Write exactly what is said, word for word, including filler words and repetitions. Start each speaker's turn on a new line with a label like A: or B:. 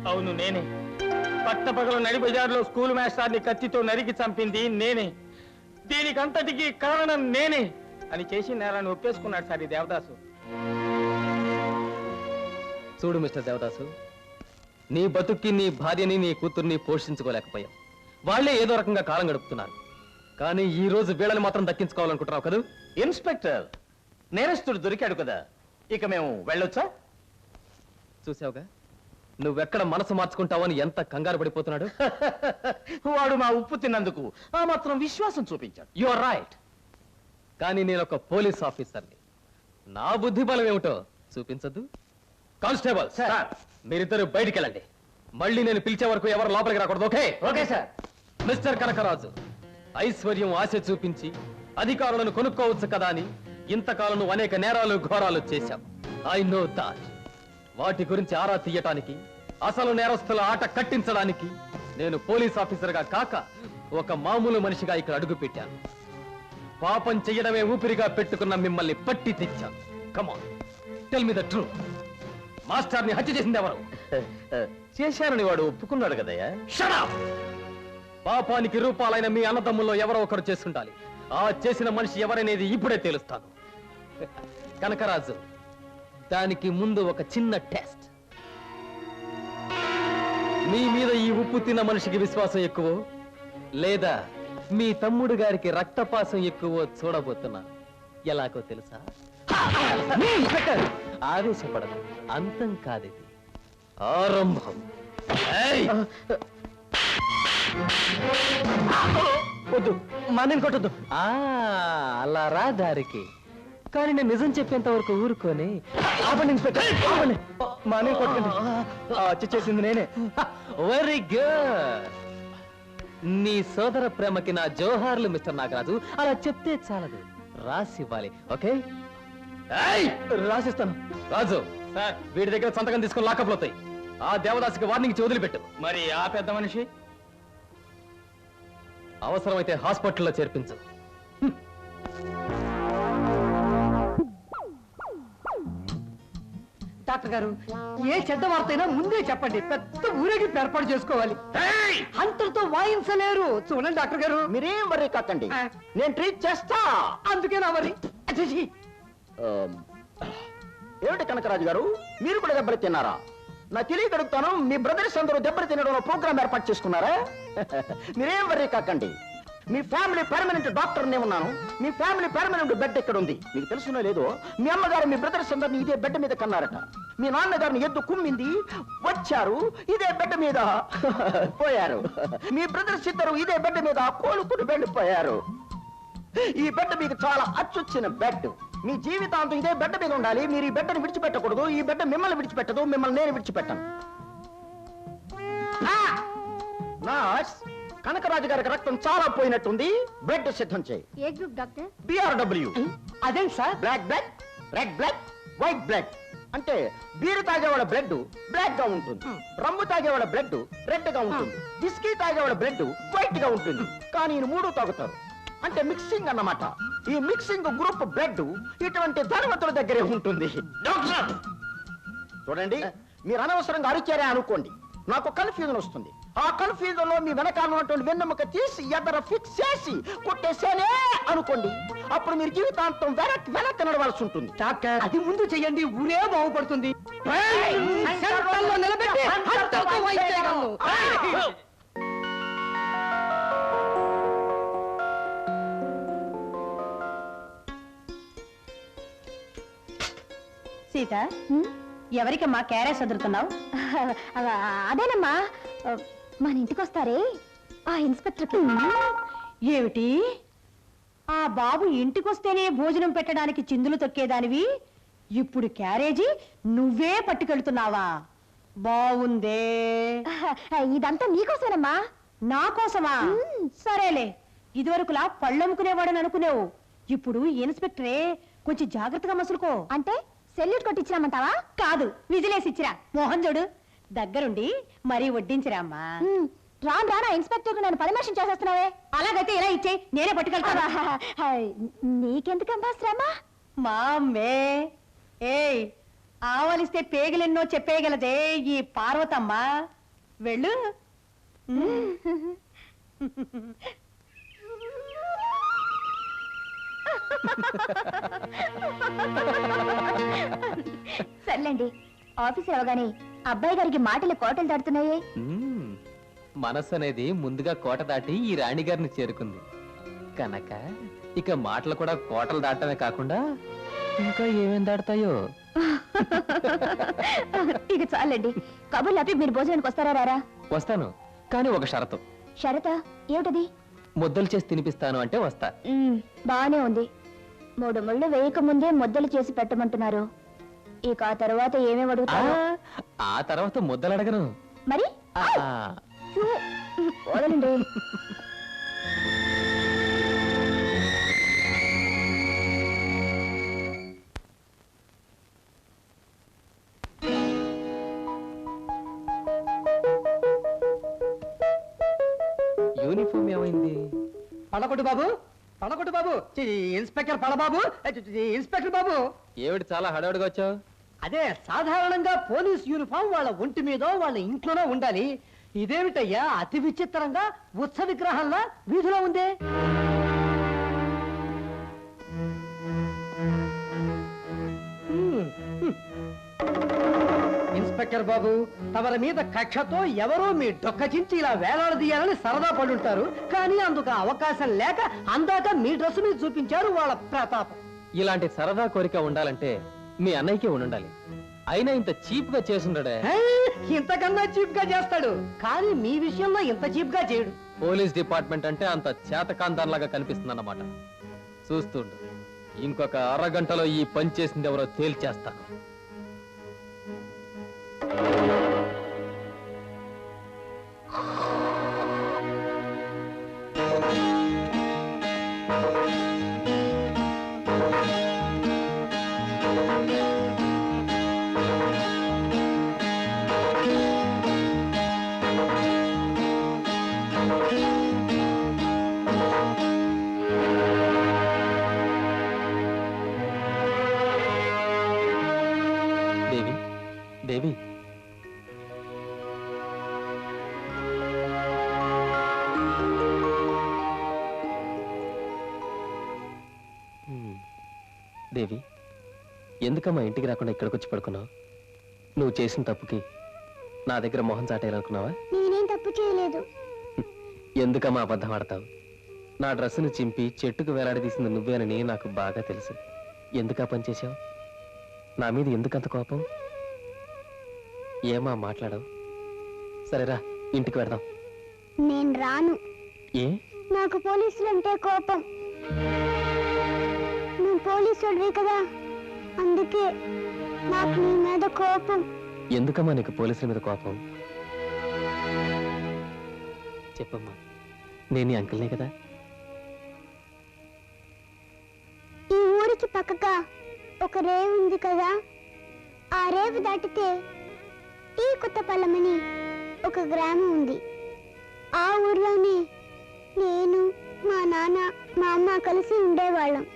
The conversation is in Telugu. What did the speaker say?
A: అవును నేనే. పట్టపగల నడి బజార్లో స్కూల్ మాస్టర్ని కత్తితో నరికి చంపింది నేనే. దీనికంతటికి కారణం నేనే అని చేసి నేరాన్ని ఒప్పేసుకున్నాడు సార్ ఈ దేవదాసు.
B: చూడు మిస్టర్ దేవదాసు, నీ బతుక్కి నీ భార్యని నీ కూతుర్ని పోషించుకోలేకపోయావు. వాళ్లే ఏదో రకంగా కాలం గడుపుతున్నారు. కానీ ఈ రోజు వీళ్ళని మాత్రం దక్కించుకోవాలనుకుంటున్నావు కదా?
C: ఇన్స్పెక్టర్, నేరస్తుడు దొరికాడు కదా, ఇక మేము వెళ్ళొచ్చా?
B: చూసావుగా, నువ్వెక్కడ మనసు మార్చుకుంటావని ఎంత కంగారు పడిపోతున్నాడు.
C: వాడు మా ఉప్పు తిన్నందుకు ఆ మాత్రం విశ్వాసం చూపించాడు.
B: You are right. కానీ నేను ఒక పోలీస్ ఆఫీసర్ని. నా బుద్ధి బలం ఏమిటో చూపించద్దు. కానిస్టేబుల్ సార్, మీరిద్దరు బయటికి వెళ్ళండి. మళ్ళీ నేను పిలిచే వరకు ఎవరు లోపలికి రాకూడదు. Okay?
C: Okay sir.
B: Mister Kanakaraju, ఐశ్వర్యం ఆశ చూపించి అధికారులను కొనుక్కోవచ్చు కదా అని ఇంతకాలం నువ్వు అనేక నేరాలు ఘోరాలు చేశావు. I know that. వాటి గురించి ఆరా తీయటానికి, అసలు నేరస్తుల ఆట కట్టించడానికి నేను పోలీస్ ఆఫీసర్గా కాక ఒక మామూలు మనిషిగా ఇక్కడ అడుగు పెట్టాను. పాపం చెయ్యడమే ఊపిరిగా పెట్టుకున్న మిమ్మల్ని పట్టి తెచ్చాను. Come on, tell me the truth. మాస్టర్ని హత్య చేసింది ఎవరు?
C: చేశానని వాడు ఒప్పుకున్నాడు కదయ్యా.
B: Shut up! పాపానికి రూపాలైన మీ అన్నదమ్ముల్లో ఎవరో ఒకరు చేసుండాలి. ఆ చేసిన మనిషి ఎవరనేది ఇప్పుడే తేలుస్తాను. కనకరాజు, దానికి ముందు ఒక చిన్న టెస్ట్. మీ మీద ఈ ఉప్పు తిన్న మనిషికి విశ్వాసం ఎక్కువ లేదా మీ తమ్ముడు గారికి రక్తపాసం ఎక్కువ చూడబోతున్నా. ఎలాగో తెలుసా? ఆవేశపడదు, అంతం కాదిది, ఆరంభం.
C: వద్దు, మన కొట్టద్దు.
B: అలా రా దారికి. కానీ నేను నిజం చెప్పేంత వరకు ఊరుకోని.
C: మానే కొట్టండి. హత్య చేసింది నేనే.
B: Very good. నీ సోదర ప్రేమకి నా జోహార్లు మిస్టర్ నాగరాజు. అలా చెప్తే చాలదు, రాసివ్వాలి. ఓకే?
C: రాసిస్తాను.
B: రాజు సార్, వీడి దగ్గర సంతకం తీసుకుని లాకప్లు అవుతాయి. ఆ దేవదాసికి వార్నింగ్ ఇచ్చి వదిలిపెట్టు.
A: మరి ఆ పెద్ద మనిషి
B: అవసరమైతే హాస్పిటల్లో చేర్పించు.
D: డాక్టర్ గారు, ఏ చెడ్డ వార్త అయినా ముందే చెప్పండి. పెద్ద ఊరేగింపు ఏర్పాటు చేసుకోవాలి. అంతటితో వాయించలేరు. చూడండి డాక్టర్ గారు,
C: మీరేం వరీ కాకండి, నేను ట్రీట్ చేస్తా.
D: అందుకేనా మరి?
C: ఏమిటి కనకరాజు గారు, మీరు కూడా దెబ్బలు తిన్నారా? నా తెలియక అడుగుతాను, మీ బ్రదర్స్ అందరూ దెబ్బలు తినడంలో ప్రోగ్రామ్ ఏర్పాటు చేసుకున్నారా? మీరేం వరీ కాకండి, మీ ఫ్యామిలీ పర్మనెంట్ డాక్టర్ నే ఉన్నాను. మీ ఫ్యామిలీ పర్మనెంట్ బెడ్ ఎక్కడ ఉంది మీకు తెలుసునో లేదో, మీ అమ్మగారు మీ బ్రదర్స్ అందరిని ఇదే బెడ్ మీద కన్నారట. మీ నాన్నగారిని ఎద్దు కుమ్మింది, వచ్చారు, ఇదే బెడ్ మీద పోయారు. మీ బ్రదర్స్ ఇద్దరు ఇదే బెడ్ మీద కోలుకుని వెళ్ళిపోయారు. ఈ బెడ్ మీకు చాలా అచ్చొచ్చిన బెడ్. మీ జీవితాంతం ఇదే బెడ్ మీద ఉండాలి. మీరు ఈ బెడ్ని విడిచిపెట్టకూడదు. ఈ బెడ్ మిమ్మల్ని విడిచిపెట్టదు, మిమ్మల్ని నేను విడిచిపెట్టాను. కనకరాజు గారికి రక్తం చాలా పోయినట్టుంది. బ్లడ్ సిద్ధం చేయి.
E: ఏ గ్రూప్ డాక్టర్?
C: బిఆర్డబ్ల్యూ.
D: అదేం సార్?
C: Black blood, red blood, white blood. అంటే బీరు తాగేవాళ్ళ బ్లడ్ బ్లాక్ గా ఉంటుంది, రమ్ము తాగేవాళ్ళ బ్లడ్ రెడ్ గా ఉంటుంది, విస్కీ తాగేవాళ్ళ బ్లడ్ వైట్ గా ఉంటుంది. కానీ ఈ మూడు తాగుతారు, అంటే మిక్సింగ్ అన్నమాట. ఈ మిక్సింగ్ గ్రూప్ బ్లడ్ ఇటువంటి ధనవంతుల దగ్గరే ఉంటుంది. డాక్టర్ చూడండి, మీరు అనవసరంగా అరిచారే అనుకోండి, నాకు కన్ఫ్యూజన్ వస్తుంది. ఆ కన్ఫ్యూజన్ లో మీ వెనకాల ఉన్నటువంటి వెన్నెముక తీసి ఎదర ఫిక్స్ చేసి కొట్టేసేనే అనుకోండి, అప్పుడు మీరు జీవితాంతం వెనక్కి వెనక్కి నడవాల్సి ఉంటుంది.
D: డాక్టర్, అది ముందు చెయ్యండి, ఊరే బాగుపడుతుంది. నిలబెట్టి అంతటితో వాయించేయగలను.
E: సీత, ఎవరికమ్మా క్యారెస్ వదులుతున్నావు? అదేనమ్మా, మన ఇంటికి వస్తారే ఆ ఇన్స్పెక్టర్. ఏమిటి, ఆ బాబు ఇంటికొస్తేనే భోజనం పెట్టడానికి చిందులు తొక్కేదానివి, ఇప్పుడు క్యారేజీ నువ్వే పట్టుకెళ్తున్నావా? బాగుందే. ఇదంతా నీకోసమేనమ్మా. నా కోసమా? సరేలే, ఇదివరకులా పళ్ళమ్ముకునేవాడని అనుకునేవు, ఇప్పుడు ఇన్స్పెక్టరే. కొంచెం జాగ్రత్తగా మసులుకో. అంటే సెల్యూట్ కొట్టించిరామంటావా? కాదు, విజిలేసిచ్చిరా. మోహన్ చూడు, దగ్గరుండి మరీ వడ్డించిరా అమ్మా. రాను రానా ఇన్స్పెక్టర్ నన్ను పరామర్శం చేసేస్తున్నావే. అలాగైతే ఇలా ఇచ్చేయి, నేనే పట్టుకెళ్తావా? నీకెందుకమ్మా శ్రమ? మా అమ్మే. ఏయ్,
D: ఆవలిస్తే పేగలెన్నో చెప్పేయగలదే ఈ పార్వతమ్మ. వెళ్ళు.
E: సర్లేండి, ఆఫీస్ అవగానే అబ్బాయి గారికి మాటలు కోటలు దాటుతున్నాయే.
B: మ్మ్. మనస్సు అనేది ముందుగా కోట దాటి ఈ రాణిగారిని చేరుకుంది కనుక ఇక మాటలు కూడా కోటలు దాటమే కాకుండా ఇంకా ఏమేం దాడతాయో.
E: ఇక చాలండి, కబుర్లు ఆపి మీరు భోజనానికి వస్తారా రారా?
B: వస్తాను, కానీ ఒక షరతు.
E: షరత ఏమిటది?
B: ముద్దలు చేసి తినిపిస్తాను అంటే వస్తా.
E: మ్మ్, బానే ఉంది. మూడు ముళ్ళు వేయక ముందే ముద్దలు చేసి పెట్టమంటున్నారు. ఇక ఆ తర్వాత ఏమేమి
B: ఆ,
E: అడుగుతారు?
B: ఆ తర్వాత ముద్దలు అడగను.
E: మరి
B: ఆ,
E: చూ, వదలండి.
B: యూనిఫామ్ ఏమైంది?
D: పడకొట్టు బాబు, పడకొట్టు బాబు. చి, ఇన్స్పెక్టర్ పడబాబు, చి, చి, ఇన్స్పెక్టర్ బాబు.
B: ఏమిటి చాలా హడావుడిగా వచ్చావు?
D: అదే సాధారణంగా పోలీస్ యూనిఫామ్ వాళ్ళ ఒంటి మీదో వాళ్ళ ఇంట్లోనో ఉండాలి. ఇదేమిటయ్యా అతి విచిత్రంగా ఉత్సవ విగ్రహంలా వీధిలో ఉందే? హ్మ్, హ్మ్. ఇన్స్పెక్టర్ బాబు, తమరి మీద కక్షతో ఎవరో మీ డొక్కచించి ఇలా వేలాడదీయాలని సరదా పడుంటారు. కానీ అందుకు అవకాశం లేక అందాక మీ డ్రెస్ మీద చూపించారు వాళ్ళ ప్రతాపం.
B: ఇలాంటి సరదా కోరిక ఉండాలంటే మీ అన్నయ్యకే ఉండాలి. అయినా ఇంత చీప్ గా చేసుండడే.
D: హే, ఇంతకన్నా చీప్ గా చేస్తాడు, కానీ మీ విషయంలో ఇంత చీప్ గా చేయడు.
B: పోలీస్ డిపార్ట్మెంట్ అంటే అంత చేతకాంతాన్లాగా కనిపిస్తుందన్నమాట. చూస్తుండు, ఇంకొక అరగంటలో ఈ పని చేసింది ఎవరో తేల్చేస్తాను. దేవి, దేవి, హ్మ్. దేవి, ఎందుకమ్మా ఇంటికి రాకుండా ఇక్కడికి వచ్చి పడుకున్నావు? నువ్వు చేసిన తప్పుకి నా దగ్గర మొహం చాటేయాలనుకున్నావా?
E: నేనేం తప్పు చేయలేదు.
B: ఎందుకమ్మా అబద్ధం ఆడతావు? నా డ్రెస్సును చింపి చెట్టుకు వేలాడదీసింది నువ్వేనని నాకు బాగా తెలుసు. ఎందుకా పని చేశావు? నా మీద ఎందుకంత కోపం? ఏమా మాట్లాడవు? సరేరా, ఇంటికి వెడదాం.
E: నేను రాను.
B: ఏ?
E: నాకు పోలీసులు అంటే కోపం. నువ్వు పోలీసుడివి కదా, అందుకే నాకు నీ మీద కోపం.
B: ఎందుకమ్మా నీకు పోలీసుల మీద కోపం? చెప్పమ్మా, నేను నీ అంకుల్నే కదా.
E: ఈ ఊరికి పక్కగా ఒక రేవు ఉంది కదా, ఆ రేవు దాటితే టీ కొత్తపల్లమని ఒక గ్రామం ఉంది. ఆ ఊర్లోనే నేను, మా నాన్న, మా అమ్మ కలిసి ఉండేవాళ్ళం.